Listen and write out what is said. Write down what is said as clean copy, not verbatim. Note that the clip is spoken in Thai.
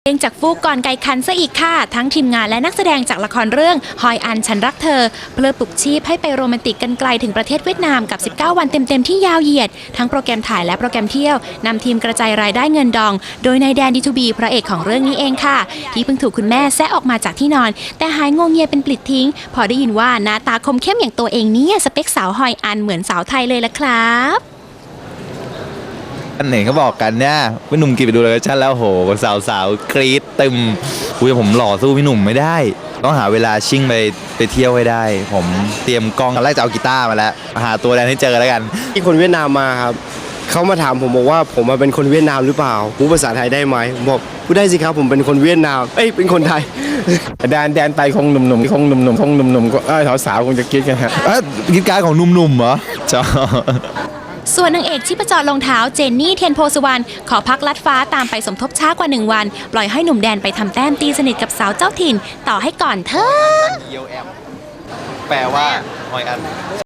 เองจากฟูกก่อนไก่คันซะอีกค่ะทั้งทีมงานและนักแสดงจากละครเรื่องฮอยอันฉันรักเธอเพื่อปลุกชีพให้ไปโรแมนติกกันไกลถึงประเทศเวียดนามกับ19วันเต็มๆที่ยาวเหยียดทั้งโปรแกรมถ่ายและโปรแกรมเที่ยวนำทีมกระจายรายได้เงินดองโดยนายแดนดีทูบีพระเอกของเรื่องนี้เองค่ะที่เพิ่งถูกคุณแม่แซะออกมาจากที่นอนแต่หายงงเงียเป็นปลิดทิ้งพอได้ยินว่าหน้าตาคมเข้มอย่างตัวเองเนี่ยสเปคสาวฮอยอันเหมือนสาวไทยเลยละครับอันไหนเขาบอกกันเนี่ยพี่หนุ่มกี่ไปดูเลยชั่นแล้วโหสาวกรี๊ดตึมคุยผมหล่อสู้พี่หนุ่มไม่ได้ต้องหาเวลาชิ่งไปเที่ยวให้ได้ผมเตรียมกล้องตอนแรกจะเอากีตาร์มาแล้วหาตัวแดนให้เจอแล้วกันที่คนเวียดนามมาครับเขามาถามผมบอกว่าผมมาเป็นคนเวียดนามหรือเปล่าพูดภาษาไทยได้ไหมผมบอกพูดได้สิครับผมเป็นคนเวียดนามเป็นคนไทยแดนไปคงหนุ่มก็สาวคงจะคิดกันฮะกีตาร์ของหนุ่มๆเหรอจ้าส่วนนางเอกชิปจรรองเท้าเจนนี่เทียนโพสุวรรณขอพักลัดฟ้าตามไปสมทบช้ากว่า1 วันปล่อยให้หนุ่มแดนไปทำแต้มตีสนิทกับสาวเจ้าถิ่นต่อให้ก่อนเถอะแปลว่าหอยอัน